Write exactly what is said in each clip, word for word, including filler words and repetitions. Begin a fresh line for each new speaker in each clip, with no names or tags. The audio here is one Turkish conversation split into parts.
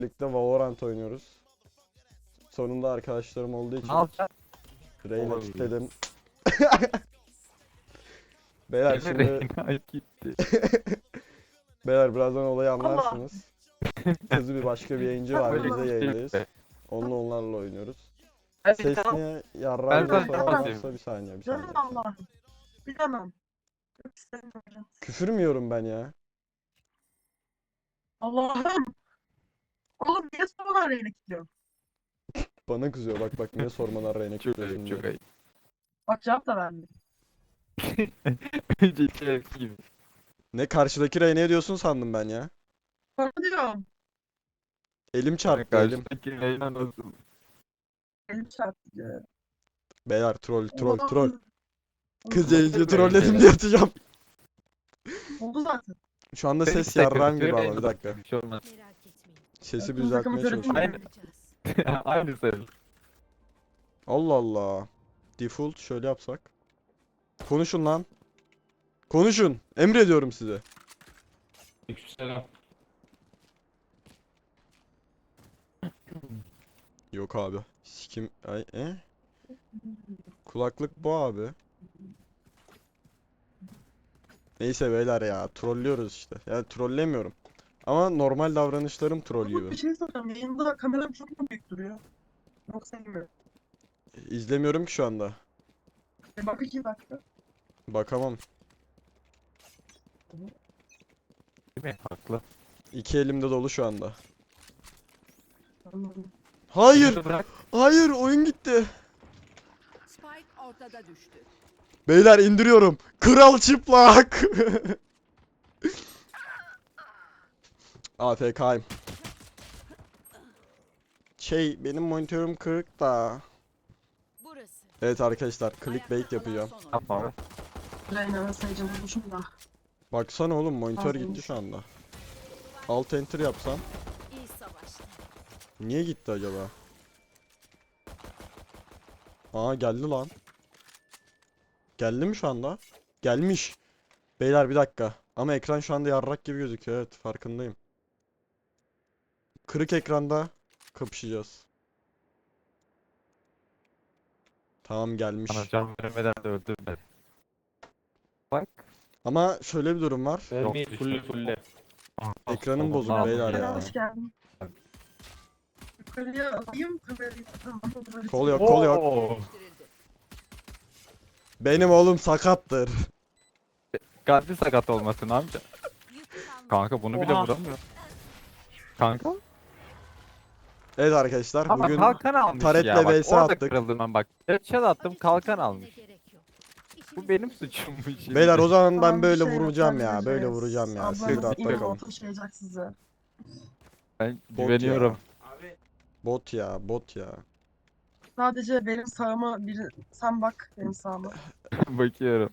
birlikte Valorant oynuyoruz. Sonunda arkadaşlarım olduğu için
Ne yapacaksın?
Reyna
Olabilir.
kilitledim. Beyler şimdi
Reyna gitti.
beyler birazdan olayı
Allah.
anlarsınız. Kızı bir başka bir yayıncı var,
Böyle
biz de
bir şey
yayındayız.
be.
Onunla onlarla oynuyoruz.
Evet,
Ses
tamam.
niye
Ben
yarrağımda
sana
falan
kapatayım.
varsa bir saniye bir saniye.
Canım Allah'ım. Bilemem. Çok istemiyorum.
Küfür mü yiyorum ben ya?
Allah'ım. Oğlum niye sorular yayına gidiyor?
Bana kızıyor bak bak niye sormadan Reyna
Çok
kilitliyorsun
ayıp,
diye.
çok ayıp.
Bak cevap da vermiyor.
Önceki hepsi gibi.
Ne karşıdaki Reyna'ya diyorsun sandım ben ya.
Sana diyorum.
Elim çarptı elim.
Karşıdaki Reyna nasıl?
Elim çarptı diyor.
Beyler troll troll
Allah'ım.
troll. Kız
Oldu
yayıncıyı
Böyle
trolledim
şeyler.
diye atacağım.
Oldu zaten.
Şu anda
Peki,
ses
tekrar
yarrağım gibi
Reyna
ama bir dakika.
Bir şey olmaz.
Merak etmeyin.
Sesi bir
Takım takımı
düzeltmeye
görelim
çalışıyorum.
mi?
Aynı. Aynı sayılır.
Allah Allah. Default şöyle yapsak. Konuşun lan. Konuşun. Emrediyorum size.
Aleykümselam.
Yok abi. Sikim. Ay, e? Kulaklık bu abi. Neyse beyler ya. Trollüyoruz işte. Yani trollemiyorum. Ama normal davranışlarım troll
Oğlum
gibi.
bir şey soracağım. Yayında kameram çok mu büyük duruyor? Yok sevmiyorum.
İzlemiyorum ki şu anda.
E bak iki dakika.
Bakamam.
Değil mi? Haklı.
İki elimde dolu şu anda.
Anladım.
Hayır.
Bırak.
Hayır oyun gitti.
Spike ortada düştü.
Beyler indiriyorum. Kral çıplak. A F K'yim. Şey benim monitörüm kırık da.
Burası.
Evet arkadaşlar clickbait
Ayakta
yapacağım.
kalan son
Yapma
oyuncu.
abi.
Reyna'nın sayıcı bulmuşum da.
Baksana oğlum monitör
Fazlaymış.
gitti şu anda. Alt enter yapsam.
İyi savaştı.
Niye gitti acaba? Aa geldi lan. Geldi mi şu anda? Gelmiş. Beyler bir dakika. Ama ekran şu anda yarrak gibi gözüküyor. Evet farkındayım. Kırık ekranda kapışacağız. Tamam gelmiş.
Bana can vermeden de öldür beni. Bak.
Ama şöyle bir durum var.
Vermeyi
Yok,
fulle
işte.
fulle.
Ekranım
Oğlum,
bozuk
ne
beyler
yapayım
Reyna'ya
ya.
hoş geldin. Yukarıya alayım kamerayı. Tamam.
Kol yok kol yok.
Oo.
Değiştirildi.
Benim oğlum sakattır.
Kalbi sakat olmasın amca.
Yük kalmadı.
Kanka bunu bile
Oha.
vuramıyor. Kanka.
Evet arkadaşlar
Ama
bugün
kalkan almış
Taret'le
ya. Bak,
V S
orada
attık.
kırıldım ben bak. Headshot attım kalkan
Acele
almış.
gerek yok.
Bu
İşimiz
benim
bitti.
suçummuş şimdi.
beyler o zaman ben
Tamam, bir
böyle
şey yok,
vuracağım ya.
halledeceğiz.
Böyle vuracağım ya. Siz
Ablanız
rahat
immo
bakalım.
taşıyacak sizi.
Ben
Bot
güveniyorum.
Bot ya bot ya.
Sadece benim sağıma biri... Sen bak benim sağıma.
Bakıyorum.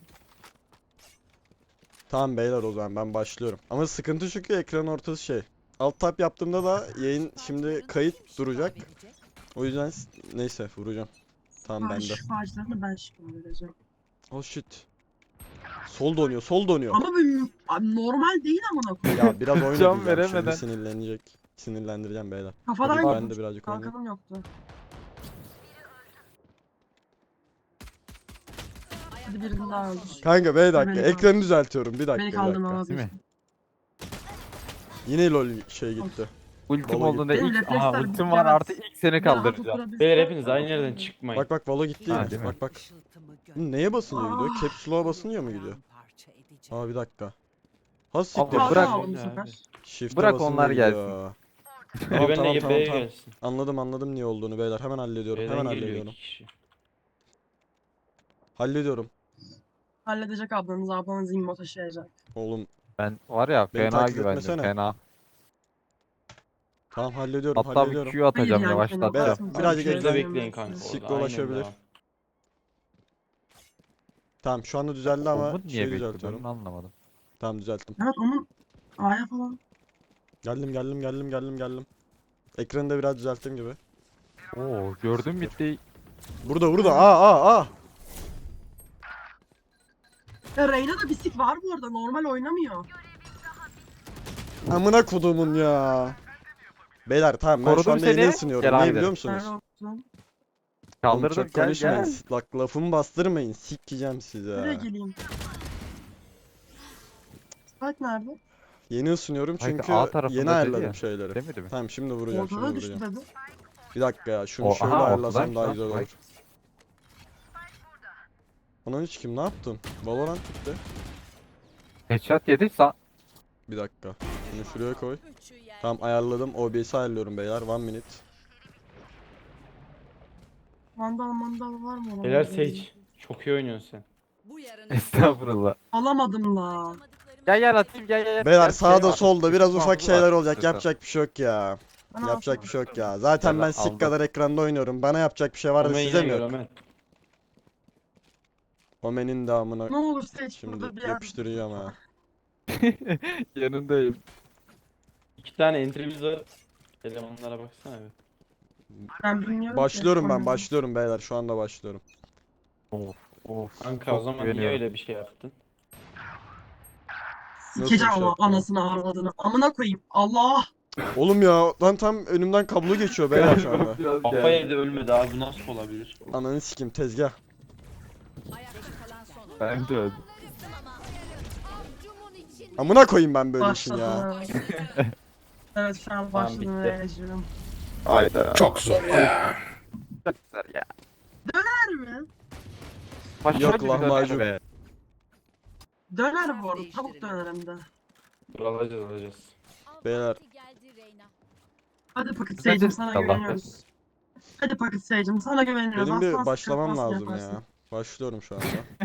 Tamam beyler o zaman ben başlıyorum. Ama sıkıntı çünkü ekran ortası şey. Alt tab yaptığımda da yayın şimdi kayıt duracak. O yüzden s- neyse vuracağım. Tamam
Ben
bende.
şifacılarını ben şifacı vereceğim.
Oh shit. Sol donuyor sol donuyor.
Ama bu abi normal değil amına koyayım.
Ya biraz oyun
Can
edeceğim şimdi
veremeden.
sinirlenecek. Sinirlendireceğim beyler.
Kafadan
Tabii ben
yokmuş.
de birazcık oynayayım.
Kalkanım yoktu. Hadi birini daha öldür.
Kanka bir dakika
Beni
ekranı düzeltiyorum bir dakika
Beni
bir
kaldırma
dakika.
vazgeçtim.
Değil
Yine lol şey gitti.
Ultim
Valo
olduğunda
gitti.
ilk...
Benim
Aha
refleksler
ultim
bitti,
var
evet.
artık ilk seni kaldıracağım.
Beyler hepiniz aynı yerden çıkmayın.
Bak bak Valo gitti
Ha,
yine.
değil mi?
Bak bak. Hı, neye basınca gidiyor? Caps lock'a basınca mı gidiyor? Aa bir dakika. Ha siktir.
Abla,
Kalkan
bırak.
aldım bu
Ya,
sefer.
Shift'e
Bırak
basınca
onlar
gidiyor.
Biri
Tamam
benimle
tamam
B'ye
tamam tamam.
gelsin.
Anladım anladım niye olduğunu beyler. Hemen hallediyorum.
B'den
Hemen
geliyor
hallediyorum.
iki kişi.
Hallediyorum.
Halledecek ablanız, ablanız immo taşıyacak.
Oğlum
Ben var ya
Beni
fena
taklit
güvendim
etmesene.
fena.
tamam hallediyorum
Hatta bir
hallediyorum.
Q atacağım
Hayır yani,
yavaşlatacağım.
Beyler,
fena
birazcık
basmasın.
Şurada
ekran-
bekleyin kanka.
Sikle
orada. Aynen
ulaşabilir.
devam.
Tamam şu anda düzeldi ama
Umut niye
şey
bekliyor ben
düzeltiyorum.
onu anlamadım.
Tamam düzelttim.
Evet onun A'ya falan.
Geldim geldim geldim geldim geldim. Ekranı da biraz düzelttiğim gibi.
Oo gördüm bitti.
Burada burada aa aa aa.
Ya Reyna'da bisik var bu arada, normal oynamıyor.
Amına kodumun ya. Beyler tamam ben şu
Korudum
anda yeni
seni.
ısınıyorum.
Gel
Niye
haydi.
biliyor musunuz?
Nerede oldun?
Oğlum
Kaldırdım
çok
gel
konuşmayın.
gel.
Bak lafımı bastırmayın. Sikeceğim
Nereye
size.
geleyim? Spike nerede?
Yeni ısınıyorum
Hayır,
çünkü
A tarafında
yeni
dedi
ayarladım
ya.
şeyleri.
Demedi mi?
Tamam şimdi vuracağım şimdi
Ortada düştü
vuracağım.
dedi.
Bir dakika ya şunu
O-
şöyle
aha,
ayarlasam
ortadaymış
daha
lan,
güzel olur.
Spike.
Onun hiç kim ne yaptın? Valorant bitti.
Headshot yedi sa.
Bir dakika. Şunu şuraya koy.
Üçü yer.
Tamam ayarladım. O B S'i ayarlıyorum beyler. One minute.
Mandal mandal var mı? onun?
Helal Sage. Çok iyi oynuyorsun sen.
Bu yarının
Estağfurullah.
Alamadım la.
yapamadıklarımı
Gel gel atayım gel gel. gel.
Beyler
Gel,
sağda
şey var.
solda biraz
Üstü
ufak
altı
şeyler
var.
olacak.
Üstü.
Yapacak bir şey yok ya.
Ben
Yapacak
alsam.
bir şey yok ya. Zaten
Gel,
ben
aldım.
sik kadar ekranda oynuyorum. Bana yapacak bir şey var da
Omen
size
yine
mi
gör
yok?
Omen.
Omen'in damına
Ne olur Sage burada
şimdi
bir yer.
yapıştıracağım ha.
Yanındayım.
İki tane entry'miz var. Elemanlara baksana bir.
Ben bilmiyorum ki.
Başlıyorum ben
Oynadım.
başlıyorum beyler. Şu anda başlıyorum.
Of of.
Kanka o
Çok
zaman niye
güveniyorum.
öyle bir şey yaptın?
Sikeceğim
Nasıl bir şey
ama
yaptın?
anasını avradını. Amına koyayım. Allah.
Oğlum ya lan tam önümden kablo geçiyor beyler şu anda.
Biraz
Kafa
geldi.
yedi ölmedi abi bu nasıl olabilir?
Ananı sikim tezgah.
ayakta kalan son oyun.
Ben de öldüm.
Kızdım ama. Avcumun için.
Amına koyayım ben böyle işin ya.
Başladı. Evet şu an başladı
bitti.
ve yaşıyorum.
Hayda.
Çok zor ya.
Çok güzel ya.
Döner mi?
Başka
Yok,
bir
lahmacun.
döner be.
Döner bu arada. Tavuk döner hem de.
Dur alacağız alacağız.
Beyler.
Geldi Reyna.
Hadi Paket
Bence
Sage'im sana
Allah
güveniyoruz. Hadi Paket Sage'im sana güveniyoruz.
Benim bir
Aslan
başlamam
sıkıntı
lazım
yaparsın.
ya. Başlıyorum şu anda.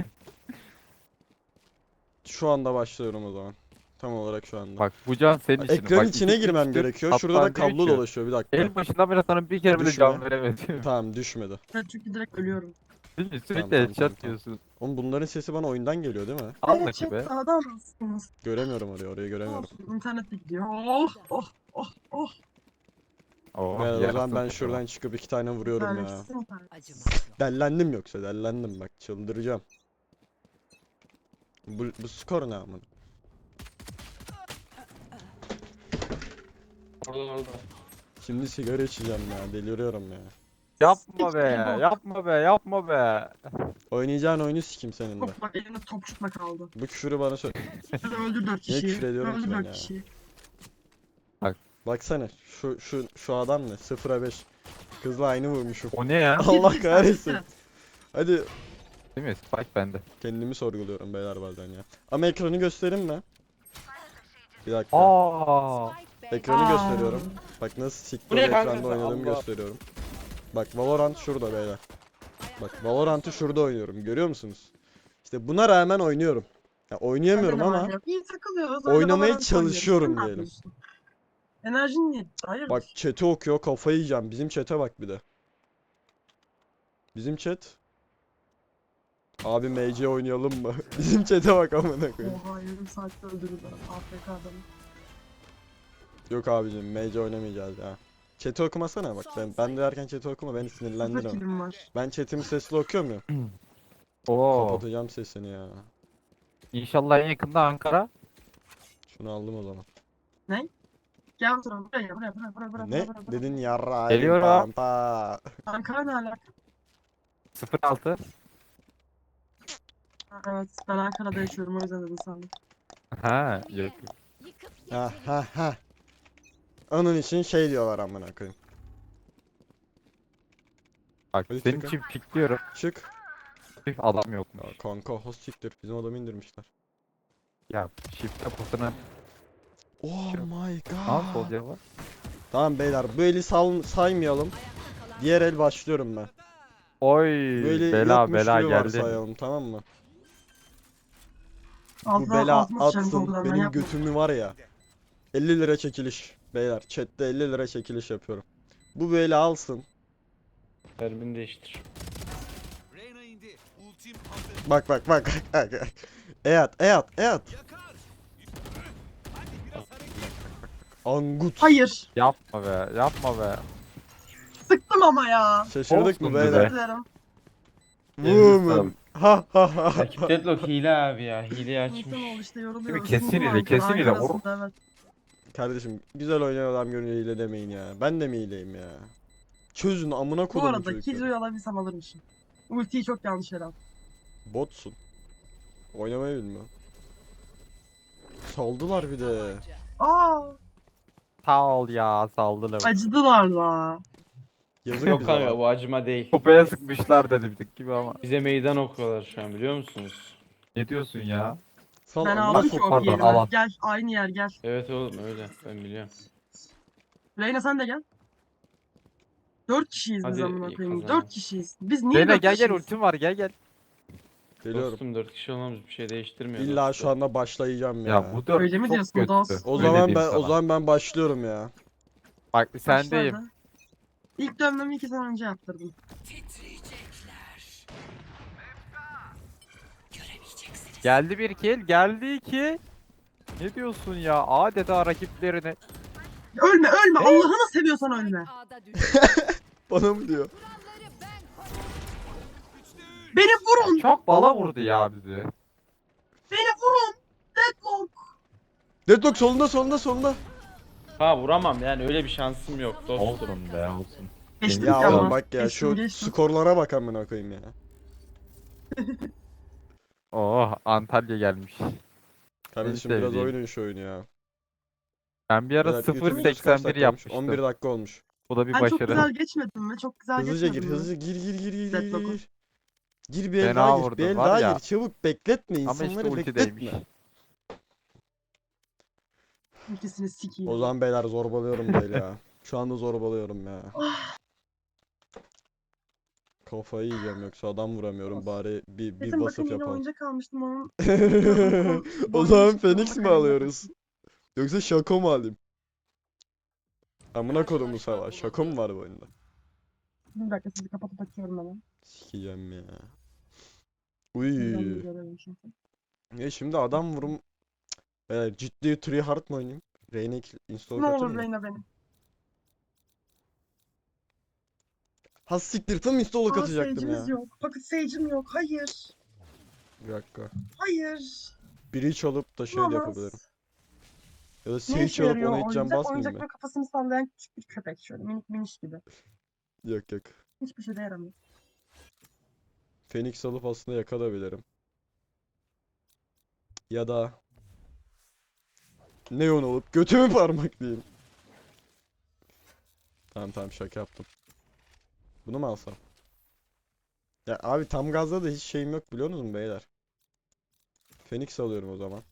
Şu anda başlıyorum o zaman. Tam olarak şu anda.
Bak bu can senin için.
Ekranın
Bak,
içine
iki,
girmem
üç, dört,
gerekiyor. Şurada da
hatta diyor
kablo
ki,
dolaşıyor bir dakika.
En başından beri sana bir kere bile
Düşme.
can veremedim.
Tamam düşmedi.
Evet çünkü direkt ölüyorum.
Değil mi?
Tamam,
Sürekli
tamam,
headshot
tamam, tamam.
diyorsun.
Oğlum bunların sesi bana oyundan geliyor değil mi?
Anla
Evet,
ki be.
chat adamsınız.
Göremiyorum orayı, orayı göremiyorum.
Olsun, internette gidiyor. Oh oh oh oh.
Oo,
Beyler, o zaman
yarasın
ben
bakalım.
şuradan çıkıp iki tane vuruyorum ya.
Vermişsin internet.
Acımaz.
Dellendim yoksa dellendim bak çıldıracağım. Bu, bu skor ne amına?
Orada orada.
Şimdi sigara içeceğim ya deliriyorum ya.
Yapma be
Siktir
ya.
bu.
Yapma be. Yapma be.
Oynayacağın oyunu sikim senin de.
Top bak elinde topçukla kaldı.
Bu küfürü bana söyle.
Hadi öldür dört
Niye
kişiyi.
küfür ediyorum ki
Öldür
ben
dört
ya?
kişiyi.
Baksana şu şu şu adam ne? sıfıra beş. Kızla aynı vurmuşum.
O ne ya?
Allah
Siktir,
kahretsin.
siktir.
Hadi
Değil mi? Spike bende.
kendimi sorguluyorum beyler bazen ya. Ama ekranı göstereyim mi? Bir dakika.
Aa.
Spike Bey.
Ekranı
Aa.
gösteriyorum. Bak nasıl
Bu
siktir
ne kanka
ekranda
sen?
oynadığımı
Allah.
gösteriyorum. Bak Valorant şurada beyler. Bak Valorant'ı şurada oynuyorum. Görüyor musunuz? İşte buna rağmen oynuyorum. Ya oynayamıyorum
Hadi
ama
lan ya. İyi takılıyoruz. öyle
oynamaya
Valorant
çalışıyorum
oynuyoruz. Sen ne
diyelim.
yapıyorsun? Enerjin niye? Hayır.
bak chat'i okuyor kafayı yiyeceğim. Bizim chat'e bak bir de. Bizim chat. Abi M C oynayalım mı? Bizim chat'e bak amına koyayım.
Oha yarım saatte öldürürler. A F K adamı.
Yok abicim M C oynamayacağız ya. Chat'i okumasana bak. Ben, ben de derken chat'i okuma beni
Sıfır
sinirlendirme.
kilim var.
Ben chat'imi sesli okuyor muyum?
Oo.
Kapatacağım sesini ya.
İnşallah en yakında Ankara.
Şunu aldım o zaman.
Gel oturalım. Buraya buraya buraya buraya buraya.
Ne?
buraya, buraya.
Dedin yarra.
Geliyorum.
Pampa.
Ankara ne alaka?
sıfır altı.
Ha, evet ben Ankara'da yaşıyorum o yüzden dedim sandım.
Ha, yok.
Yıkıp
Ha
getirin.
ha ha. Onun için şey diyorlar amına koyayım.
Bak
Hadi
senin
çıkın.
için pikliyorum.
Çık.
Tüh, adam yokmuş.
Ya kanka host siktir. Bizim adamı indirmişler.
Ya shift kapısına
Oh my
al sol
god.
cevap.
Tamam beyler bu eli sal saymayalım. Diğer el başlıyorum ben.
Oy
Böyle
bela
yokmuş
bela
gibi
geldi.
varsayalım tamım mı? Bu
Altına
bela
altıma sıçarım
atsın
korkudan, ben
benim
yapma.
götümü var ya. elli lira çekiliş. Beyler chatte elli lira çekiliş yapıyorum. Bu böyle alsın.
Terbini değiştir.
Reyna indi. Ultim hazır.
Bak bak bak. Eyat eyat eyat.
Yakar. Hadi biraz hareket.
Angut.
Hayır.
Yapma be yapma be.
Sıktım ama ya.
Şaşırdık mı
Olsun be.
Özür
beyler?
dilerim.
Woman. Ha ha ha.
Rakip Deadlock hile abi ya. Hileyi açmış.
İnsan oldu işte yoruluyor.
Değil mi? Kesin
Sinir
ile,
var,
kesin ile.
Ankara'sında, evet.
Kardeşim güzel oynayan adam görünce hile demeyin ya. Ben de mi hileyim ya? Çözün amına
Bu
kodumun
arada
çocukları.
Killjoy'u alabilsem alırmışım. Ultiyi çok yanlış yere attım.
Botsun. Oynamayı bilmiyorum. Saldılar bir de.
Aa,
Sağ ol ya saldılar.
acıdılar la.
Yazık
Yok
bize
kanka
lan.
bu acıma değil.
Kopaya sıkmışlar dedi bir gibi ama.
Bize meydan okuyorlar şu an biliyor musunuz?
Ne diyorsun ya?
Sal
Ben
amına
aldım
ko-
ki o
pardon,
yerime.
alan.
Gel aynı yer gel.
Evet oğlum öyle ben biliyorum.
Reyna sen de gel. Dört kişiyiz biz
Hadi,
amına
iyi
koyayım.
kazanalım.
Dört kişiyiz. Biz niye
Reyna
dört
gel gel
kişiyiz?
ultim var gel gel.
Geliyorum.
Dostum dört kişi olmamız bir şey değiştirmiyor.
İlla
dostum.
şu anda başlayacağım ya.
Ya bu dört
Öyle mi
çok
diyorsun
kötü.
dost?
O
Öyle
zaman
diyeyim
ben o
sana.
zaman ben başlıyorum ya.
Bak sendeyim.
Başladı. İlk dönmemi iki sene önce yaptırdım.
Geldi bir kill, geldi iki. Ne diyorsun ya? Adeta rakiplerine.
Ölme ölme Allah'ını seviyorsan ölme.
A'da düştü.
Bana mı diyor?
Kuralları ben koyarım.
Beni vurun.
Çok bala vurdu ya bizi.
Beni vurun. Deadlock.
Deadlock solunda solunda solunda.
Ha vuramam yani öyle bir şansım yok dostum.
Olsun be olsun.
Geçtim
Ya
ki ama.
oğlum bak ya
Geçtim,
şu
geçtim.
skorlara bak amına koyayım ya.
Oh Antalya gelmiş.
Kardeşim
En
biraz
sevdiğim.
oynayın şu oyunu ya.
Ben bir ara
Beyler,
sıfır
YouTube videosu kaç
seksen bir
dakika olmuş?
yapmıştım.
on bir dakika olmuş.
Bu da bir
Ben çok
başarı.
güzel geçmedim mi? Çok güzel
Hızlıca gir,
geçmedim mi?
hızlıca gir gir gir gir gir
Deadlock'u.
gir. Gir bir el
Fena
daha gir,
vurdun,
bir el
var
daha
ya.
gir. Çabuk bekletme
Ama işte
insanları
ultideymiş.
bekletme.
İkisini sikeyim.
O zaman beyler zorbalıyorum böyle ya. Şu anda zorbalıyorum ya. Kafayı yiyeceğim yoksa adam vuramıyorum bari bir bir
Kesin
vasıf
bakın yine
yapalım.
oyuncak almıştım onun.
O
Boynu
zaman
çıktı,
Phoenix mi
bakalım
alıyoruz? Yoksa Şako mu alayım? Amına kodumu sava. Şako mu var bu oyunda?
Bir dakika sizi kapatıp açıyorum hemen.
Sikeceğim ya.
Buradan
Uy.
bir görelim çünkü.
Ya şimdi adam vurum. Beyler ciddi three hard mı oynayayım? Reyna install
Ne
katır
olur
mı?
Reyna benim.
Ha siktir tam install'a
Aa
katacaktım ya.
Sage'imiz yok. Pocket Sage'im yok. Hayır.
Bir dakika.
Hayır.
Biri çalıp da şey de
Olamaz.
yapabilirim. Ya da
Ne
Sage
işe
çalıp
yarıyor
ona hiç can
oyuncak?
basmayayım
Oyuncakla
mı?
kafasını sallayan küçük bir köpek şöyle minik miniş gibi.
Yok yok.
Hiçbir şey de yaramıyor.
Phoenix alıp aslında yakabilirim. Ya da Neon olup götümü parmaklayayım. Tamam tamam şaka yaptım. Bunu mu alsam? Ya abi tam gazda da hiç şeyim yok biliyor musunuz beyler? Phoenix alıyorum o zaman.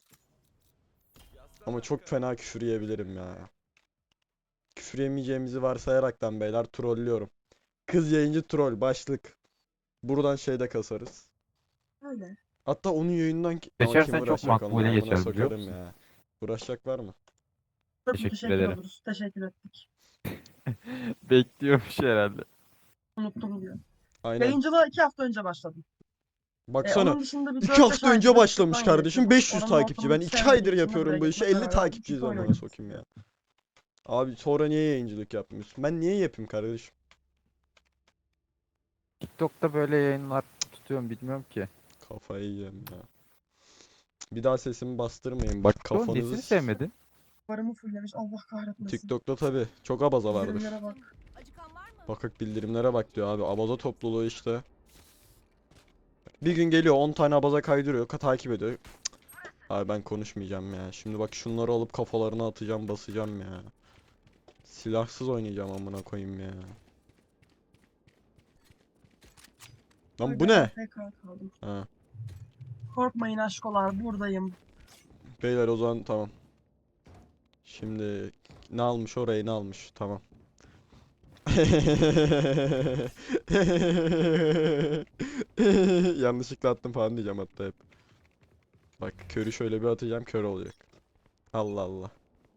Ama çok fena küfür yiyebilirim ya. Küfür yemeyeceğimizi varsayaraktan beyler trollüyorum. Kız yayıncı troll başlık. Buradan şeyde kasarız.
Öyle.
Hatta onun yayından ki... Ama
Geçersen
kim
çok
uğraşacak
makbule
onunla, amına
geçer, biliyor
sokarım
musun?
ya. Uğraşacak var mı?
Çok
Teşekkür
teşekkür
ederim.
oluruz. Teşekkür ettik.
Bekliyormuş herhalde.
Unuttum diyor.
Aynen.
Yayıncılığa iki hafta önce başladım. E,
Baksana.
onun dışında bir
iki
dört beş
hafta önce
aydır
başlamış
YouTube'dan
kardeşim.
yapıyorum.
beş yüz
Oranın
takipçi. Ben
ortamını
iki
sevmediğim
aydır
için de
yapıyorum bu
buraya
işi.
gitmekle
elli
beraber
takipçiyiz
FIFA
amına
oynadım.
sokayım ya. Abi sonra niye yayıncılık yapmıyorsun? Ben niye yapayım kardeşim?
TikTok'ta böyle yayınlar tutuyorum bilmiyorum ki.
Kafayı yiyeceğim ya. Bir daha sesimi bastırmayın. Bak
Oğlum
kafanızı...
nesini sevmedin?
Varımı fulllemiş. Allah kahretmesin.
TikTok'ta tabi çok abaza vardır.
Bildirimlere bak.
Acıkan var mı?
Bakık bildirimlere bak diyor abi. Abaza topluluğu işte. Bir gün geliyor on tane abaza kaydırıyor. ka- Takip ediyor. Cık. Abi ben konuşmayacağım ya. Şimdi bak şunları alıp kafalarına atacağım basacağım ya. Silahsız oynayacağım amına koyayım ya. Lan
Ay,
bu
ben
ne?
tekrar kaldım.
Ha.
Korkmayın aşkolar buradayım.
Beyler o zaman tamam. Şimdi ne almış orayı ne almış tamam. Yanlışlıkla attım falan diyeceğim hatta hep. Bak körü şöyle bir atacağım kör olacak. Allah Allah.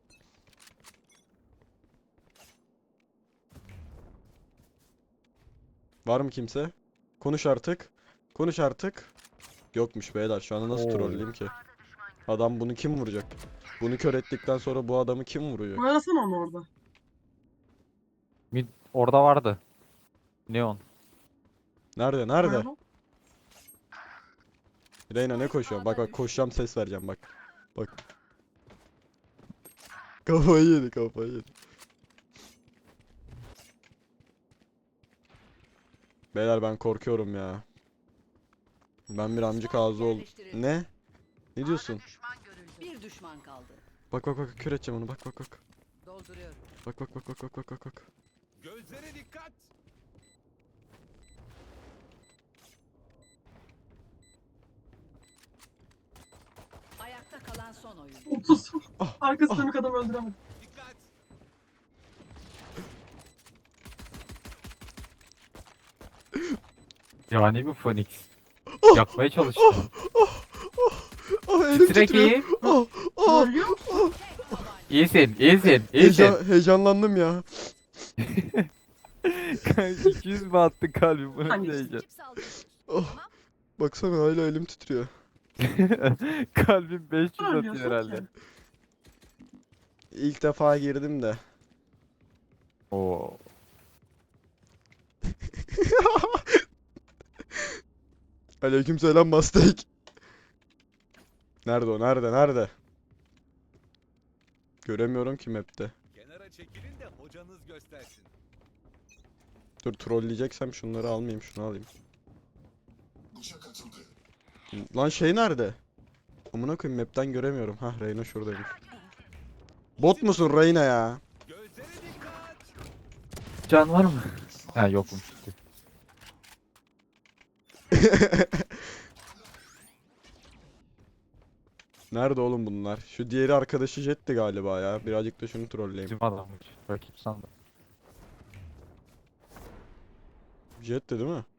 Var mı kimse? Konuş artık. Konuş artık. Yokmuş beyler şu anda nasıl
Oo.
trolleyeyim ki? Adam bunu kim vuracak? Bunu kör ettikten sonra bu adamı kim vuracak?
Arasana onu orada.
Mid orada vardı. Neon.
Nerede? Nerede?
Arada.
Reyna ne koşuyor? Bak bak koşacağım ses vereceğim bak. Bak. Kafayı yedi, kafayı yedi. Beyler ben korkuyorum ya. Ben bir amcık ağzı oldum. Ne? Ne diyorsun?
Bir düşman kaldı.
Bak bak bak, kör edeceğim onu, bak bak bak.
Dolduruyorum.
Bak bak bak bak bak bak bak bak.
Gözlere dikkat.
Ayakta kalan son oyun.
otuz.
Ah,
Arkası dönük adam öldüremedim.
Dikkat.
Yani bu Phoenix. Yakmaya çalıştı.
Ah, elim
Titrek
titriyor.
iyi.
Ah, ah.
Ölüyor musun?
İyisin, iyisin, iyisin.
Heyecan, heyecanlandım ya.
iki yüz mü attı kalbim? Bu nasıl
Hangisi?
heyecan?
Çip saldırıyoruz.
Ah, baksana hala elim titriyor.
Kalbim beş yüz atıyor
Ölmüyorsun
herhalde.
ki.
İlk defa girdim de.
Oo.
Aleykümselam Mastek. Nerede o? Nerede? Nerede? Göremiyorum ki map'te.
Kenara çekilin de hocanız göstersin.
Dur, trolleyeceksem şunları almayayım, şunu alayım. Lan şey nerede? Amına koyayım, map'ten göremiyorum. Hah, Reyna şuradaymış. Bot musun Reyna ya?
Gözlere dikkat.
Can var mı? Ha yokmuş.
Nerede oğlum bunlar? Şu diğeri arkadaşı Jet'ti galiba ya. Birazcık da şunu trolleyeyim.
Bizim adammış. Rakip sandım.
Jet'ti değil mi?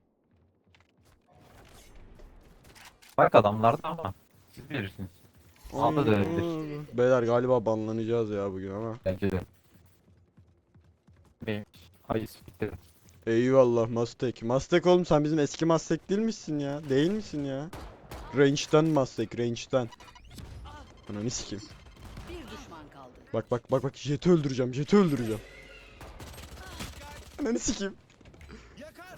Bak adamlarda ama. Siz bilirsiniz. Aldı da ölebilir.
Beyler galiba banlanacağız ya bugün ama.
Bence de. Neymiş? Hayır bitti.
Eyvallah Mastek. Mastek oğlum, sen bizim eski Mastek değil misin ya? Değil misin ya? Range'den Mastek, range'den. Ananı sikeyim.
Bir düşman kaldı.
Bak bak bak bak, Jet'i öldüreceğim, Jet'i öldüreceğim. Ananı sikeyim.
Yakar.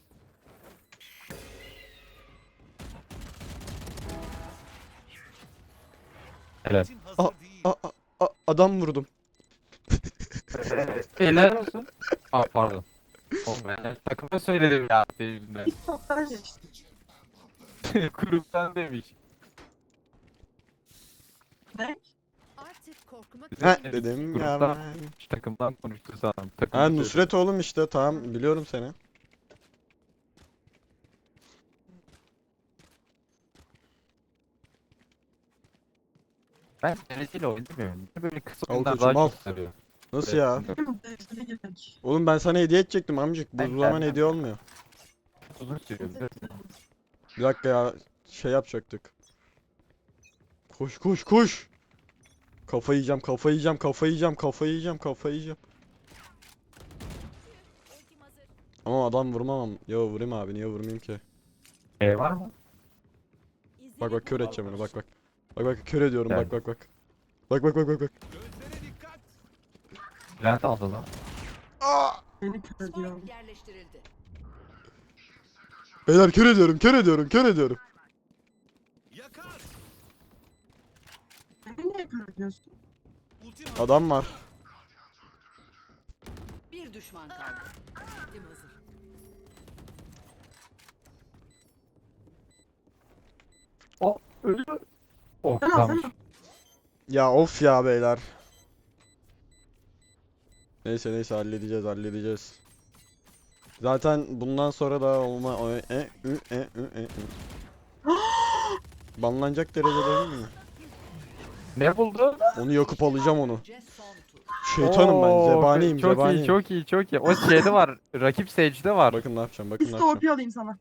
Helal.
Ultim hazır
Aa,
değil.
A, a, a- adam vurdum.
Helal olsun. Aa pardon. Oğlum ben takıma söyledim ya benimle.
Toptan geçti.
Gruptan demiş.
Ne?
Artık korkmak
He
Evet,
dedim ya
gruptan-
ben.
Takımdan konuştu sanırım. Takımda
Ha,
söyledi.
Nusret oğlum işte, tamam biliyorum seni.
Ben dereceli oynamıyorum. Böyle kısa
Al
oyunlar
koçum,
daha
al.
çok sarıyor.
Nasıl ya?
Benim dereceli girmek.
Oğlum ben sana hediye edecektim amcık. Bu
Ben
zaman
gelmem.
hediye olmuyor.
Uzun sürüyor. bir de.
Bir dakika ya, şey yapacaktık. Koş koş koş. Kafa yiyeceğim, kafa yiyeceğim, kafa yiyeceğim, kafa yiyeceğim, kafa yiyeceğim.
ultim hazır.
Ama adam vurmamam. Ya vurayım abi, niye vurmayayım ki?
E var mı?
Bak bak, kör edeceğim onu, bak bak. Bak bak, kör ediyorum, bak
Yani.
bak bak. Bak bak bak bak bak.
Gözlere dikkat.
Bülent aldı lan.
Beni kör ediyor.
Spike yerleştirildi.
Beyler kör ediyorum, kör ediyorum, kör ediyorum.
Yakar.
Beni niye kör ediyorsun?
Ultim hazır.
Adam var.
Bir düşman kaldı. Ultim hazır.
O ölüyor. Oh
Sen
tamam.
alsana.
Ya of ya beyler. Neyse neyse, halledeceğiz halledeceğiz. Zaten bundan sonra da olma o- e ü e ü e ü. Banlanacak derecede değil mi?
Ne buldu?
Onu yakıp alacağım onu.
Önce son tur.
Şeytanım ben,
Oo,
zebaniyim,
çok
zebaniyim.
iyi, çok iyi, çok iyi. O şeyde var. Rakip Sage'de var.
Bakın ne yapacağım, bakın ne
Üstü
yapacağım.
O P alayım sana.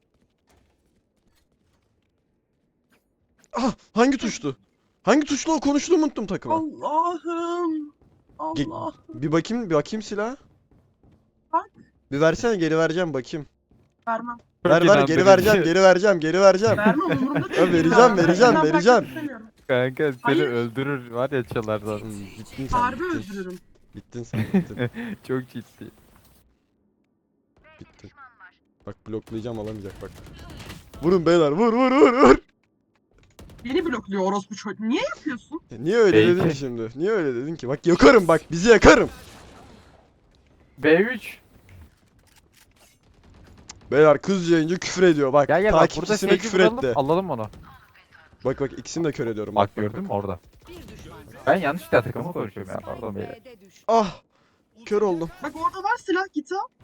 Ah, hangi tuştu? Hangi tuşla o konuştuğumu unuttum takıma.
Allah'ım.
Ge-
Allah.
Bir bakayım, bir bakayım silah.
Bak.
Bir versene, geri vereceğim bakayım.
Vermem.
Çok
Ver ver, geri
inandırıcı.
vereceğim, geri vereceğim, geri vereceğim.
Vermem umurumda değil.
Ya vereceğim,
Ben
vereceğim,
senden
vereceğim.
bırakmak istemiyorum.
Kanka seni
Hayır.
öldürür var ya çalardan.
Hmm, bittin sen,
Harbi
bittin.
öldürürüm.
Bittin sen, bittin.
Çok ciddi.
Bittin. Bak bloklayacağım, alamayacak bak. Vurun beyler, vur vur vur vur.
Beni blokluyor orospu çocuğu. Niye yapıyorsun?
E, Niye öyle
Belki.
dedin şimdi? Niye öyle dedin ki? Bak yakarım bak bizi yakarım.
B üç.
Beyler kız yayıncı küfür ediyor bak.
Gel gel bak burada
Takipçisine
seyirci
küfür
vuralım.
etti.
Alalım onu.
Bak bak ikisini de kör ediyorum.
Bak gördün mü orada.
Bir düşman kaldı.
Ben yanlışlıkla takımı konuşuyorum ya. Pardon beyler.
B'de düştü.
Ah! Kör oldum.
Bak orada var silah git al.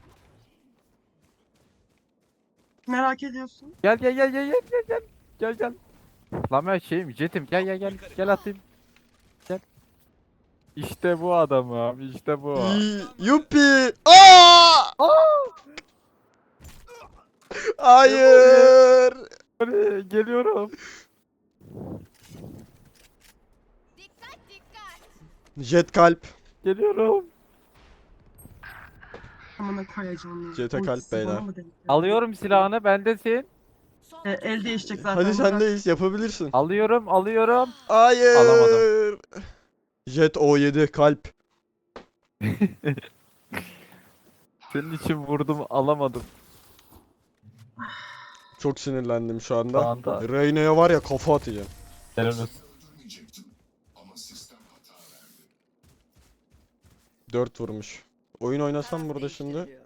Merak ediyorsun.
Gel gel gel gel gel gel gel. Gel gel. Lan ben şeyim jetim gel gel gel. Gel atayım. Gel. İşte bu adamım. İşte bu.
İyi, Yuppi! Aa! Hayır!
Hadi, geliyorum.
Jet kalp.
Geliyorum.
Amına koyacağım ya.
Jete kalp
Ultisi bana
beyler.
mı denk geldi?
Alıyorum silahını bendesin.
Son
E, el değişecek zaten.
Hadi
bırak.
sendeyiz yapabilirsin.
Alıyorum alıyorum.
Hayır!
Alamadım.
Jet O yedi kalp.
Senin için vurdum alamadım.
Çok sinirlendim şu anda.
Şu anda.
Reyna'ya var ya kafa atacağım.
Helal olsun.
dört vurmuş. Oyun oynasam burada şimdi.
değiştiriliyor.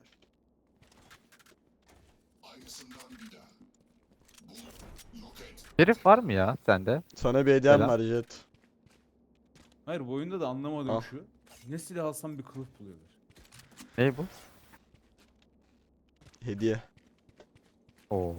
Şerif var mı ya sende?
Sana bir hediyem
Selam.
var Jet.
Hayır bu oyunda da anlamadığım
Al.
şu. Ne silah alsam bir kılıf buluyorlar.
Ne bu?
Hediye.
Oo.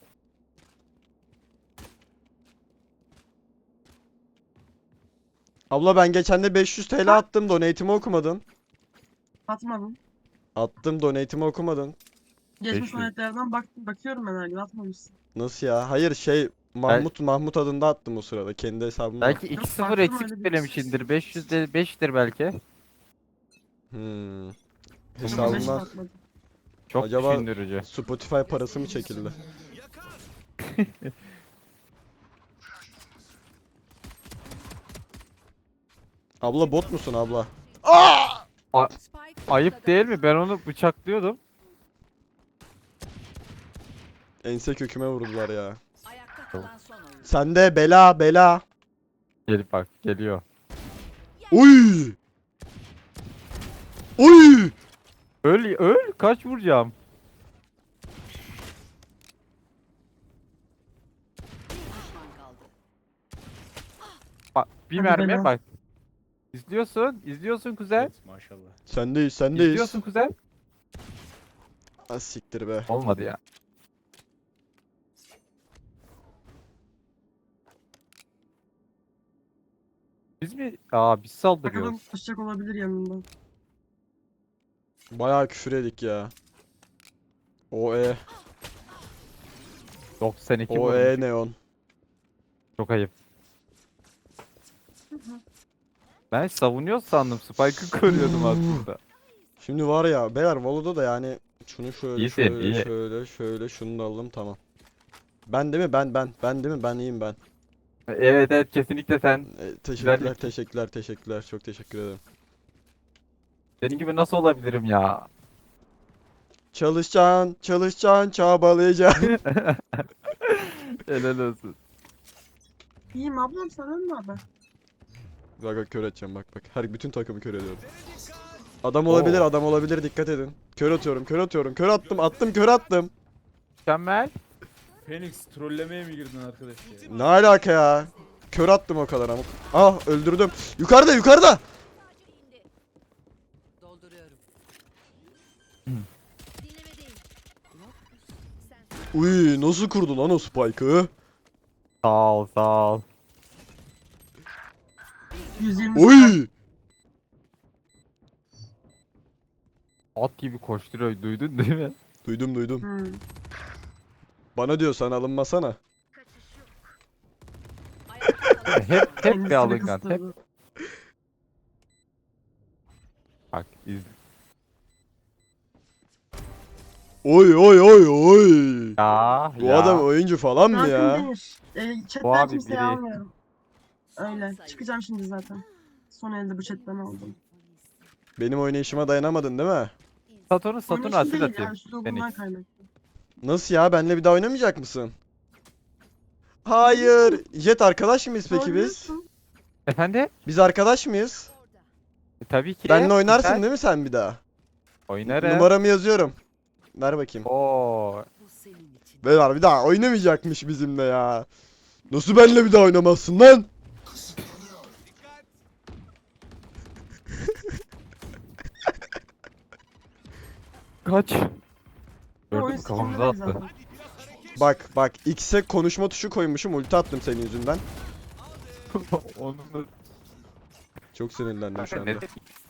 Abla ben geçen de beş yüz T L attım. Donate'imi okumadın.
Atmadım.
Attım donate'imi okumadın.
Geçmiş
beş yüz.
örneklerden bak bakıyorum ben her gün atmamışsın.
Nasıl ya? Hayır şey Mahmut Mahmut adında attım o sırada. Kendi hesabımda.
Belki
Yok,
iki sıfır
baktım
eksik
öyle bir-
söylemişindir. beş yüz de beştir belki.
Hmm.
Ama beş
Hesabımdan
atmadım.
Çok
Acaba-
düşündürücü.
Spotify parası mı çekildi?
Yakar!
Abla bot musun abla?
Spike
Ayıp
ortada.
değil mi? Ben onu bıçaklıyordum.
Ense köküme vurdular ya.
Ayakta kalan son oyun.
Sende bela bela.
Gelip bak geliyor.
Uy! Uy!
Öl öl kaç vuracağım?
Bir düşman kaldı.
Bak bir
Hadi
mermiye
bela.
bak. İzliyorsun, izliyorsun kuzen.
Evet maşallah.
Sendeyiz sendeyiz.
İzliyorsun kuzen.
Az siktir be.
Olmadı ya. Biz mi? Aa biz saldırıyoruz.
Bakalım taşacak olabilir yanında.
Bayağı küfür edik ya. O e
doksan iki
o
vurmuş.
e neon.
Çok ayıp. Ben savunuyor sandım. Spike'ı koruyordum aslında.
Şimdi var ya beyler Valo'da da yani şunu şöyle
İyisin,
şöyle
iyi.
şöyle şöyle şunu da alalım tamam. Ben değil mi? Ben ben ben değil mi? Ben iyiyim ben.
Evet evet kesinlikle sen.
E, teşekkürler
Güzellik.
teşekkürler teşekkürler çok teşekkür ederim.
Senin gibi nasıl olabilirim ya?
Çalışacaksın çalışacaksın çabalayacaksın.
Helal olsun.
İyiyim ablam sen ne haber?
Bak bak kör edeceğim bak bak. Her bütün takımı kör ediyorum. Adam olabilir
Oo.
adam olabilir dikkat edin. Kör atıyorum kör atıyorum kör attım attım kör attım.
Mükemmel.
Phoenix trollemeye mi girdin arkadaş ya?
Ne alaka ya? Kör attım o kadar ama. Ah öldürdüm. Yukarıda yukarıda.
Dolduruyorum.
Hmm.
Dinlemedeyim. Yok. Sen
Uy nasıl kurdu lan o spike'ı?
Sağ ol sağ ol.
yüz yirmi
Uy!
At gibi koşturuyor duydun değil mi?
Duydum duydum.
Hmm.
Bana diyor sen alınmasana.
ayakta kalan
Hep hep bir
Kendisini
alıngan. Hep
kıstırdı.
bak iz.
Oy oy oy oy.
Ya
Bu
ya.
adam oyuncu falan mı
Rasim
ya?
Demir. E,
Bu
chatten
abi
kimseyi
biri.
almıyorum. Öyle. Çıkacağım şimdi zaten. Son elde bu chatten aldım.
Benim oynayışıma dayanamadın değil mi?
Satürn Satürn
Oynayışım
asil
değil ya.
atayım.
Üslubundan
Phoenix.
kaynaklı.
Nasıl ya? Benle bir daha oynamayacak mısın? Hayır. Jet arkadaş mıyız peki biz?
Söylüyorsun.
Efendim?
Biz arkadaş mıyız?
E, tabii ki.
Benle oynarsın
Güzel.
değil mi sen bir daha?
Oynarım.
Numaramı yazıyorum. Ver bakayım.
Oo.
Bu senin için.
Beyler bir daha oynamayacakmış bizimle ya. Nasıl benle bir daha oynamazsın lan?
Kaç.
Bu oyun
Gördüm kafamıza
sikimde
attı.
zaten.
Bak bak X'e konuşma tuşu koymuşum, ulti attım senin yüzünden.
Onun da...
Çok sinirlendim şu anda.
Ne-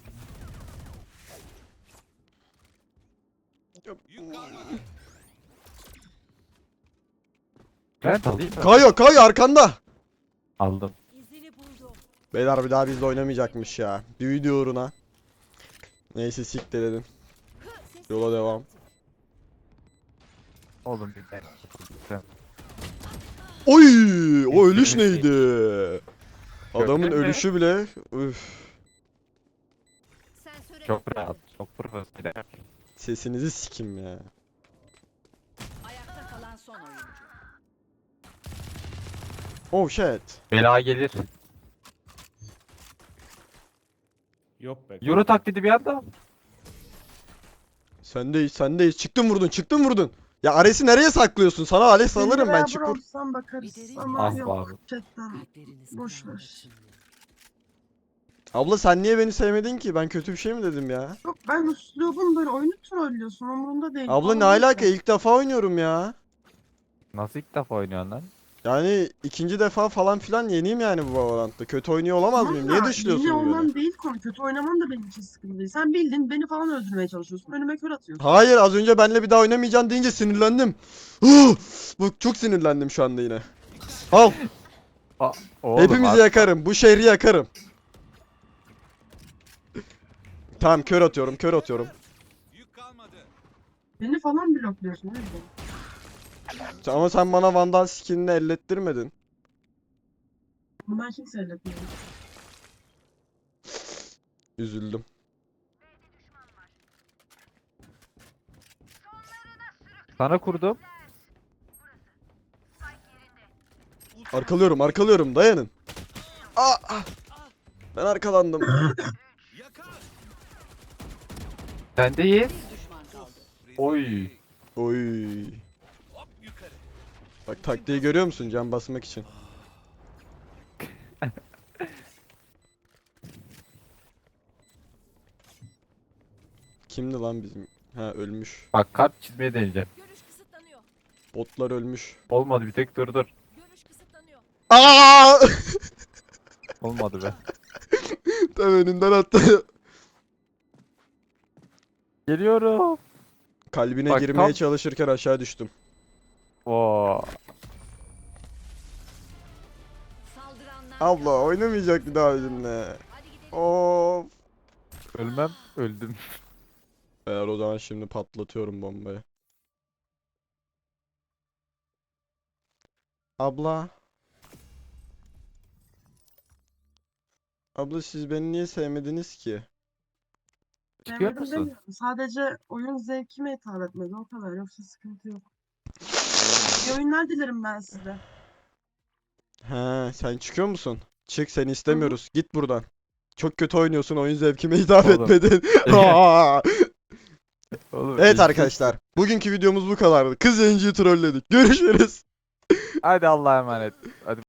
Ben alayım mı?
Kayo Kayo arkanda.
Aldım.
İzini buldum.
Beyler bir daha bizle oynamayacakmış ya. Bir video uğruna. Neyse siktir edin.
Ses
Yola devam.
Oğlum bir ben.
Oy! O ölüş neydi? Adamın
Gördün mü?
ölüşü bile. Üf.
Sensöre
Çok rahat. Çok profesyonel.
Sesinizi sikim ya.
ayakta kalan son oyuncu.
Oh shit.
Bela gelir.
Yok be.
Euro taklidi bir anda.
Sendeyiz sendeyiz. Çıktın vurdun çıktın vurdun. Ya Ares'i nereye saklıyorsun? Sana Ares
Seni
alırım ben
veya
çık vur.
Broms'tan bakarız
Bir derin-
ama
Ah
yok.
abi.
Chatten.
Kalpleriniz
Boş
kadar
ver.
açılıyor.
Abla sen niye beni sevmedin ki? Ben kötü bir şey mi dedim ya?
Yok ben üslubum böyle oyunu trollüyorsun umurumda değil.
Abla ne
Falan
alaka?
yok.
İlk defa oynuyorum ya.
Nasıl ilk defa oynuyorsun lan?
Yani ikinci defa falan filan yeniyim yani bu Valorant'ta. Kötü oynuyor olamaz
Tamam
mıyım?
da
Niye dışlıyorsun
yeni
beni?
olman değil konu. Kötü oynaman da benim için sıkıntı değil. Sen bildin beni falan öldürmeye çalışıyorsun. Önüme kör atıyorsun.
Hayır az önce benle bir daha oynamayacaksın deyince sinirlendim. Huh! Bak çok sinirlendim şu anda yine. Al.
Oğlum,
Hepimizi
abi-
yakarım. Bu şehri yakarım. Tamam kör atıyorum kör atıyorum.
Beni falan blokluyorsun. O yüzden.
Ama sen bana Vandal skinini ellettirmedin.
Bunu ben kimse elletmiyorum.
Üzüldüm.
Sana kurdum.
Arkalıyorum arkalıyorum dayanın. Aa, ah. Ben arkalandım.
Sendeyiz.
Bir düşman kaldı.
Oy.
Oy. Bak taktiği görüyor musun can basmak için? Kimdi lan bizim? Ha ölmüş.
Bak kart çizmeye deneyeceğim.
Görüş kısıtlanıyor.
Botlar ölmüş.
Olmadı bir tek dur dur.
Görüş kısıtlanıyor.
Aa!
Olmadı be.
Tam önünden attı.
Geliyorum.
Kalbine
Bak,
girmeye
tam-
çalışırken aşağı düştüm.
Oo.
Saldıranlar
Abla oynamayacak bir daha bizimle.
hadi gidelim.
Of.
Ölmem. Öldüm.
Eğer o zaman şimdi patlatıyorum bombayı. Abla. Abla siz beni niye sevmediniz ki?
Çıkıyor
Sevmedim
musun?
demiyorum. Sadece oyun zevkime hitap etmedi o kadar. Yoksa sıkıntı yok. İyi oyunlar dilerim ben size.
He, sen çıkıyor musun? Çık seni istemiyoruz. Git buradan. Çok kötü oynuyorsun. Oyun zevkime hitap
Oğlum.
etmedin. Aa!
Oğlum,
Evet
ilk-
arkadaşlar. Bugünkü videomuz bu kadardı. Kız yayıncıyı trolledik. Görüşürüz.
Hadi Allah'a emanet. Hadi.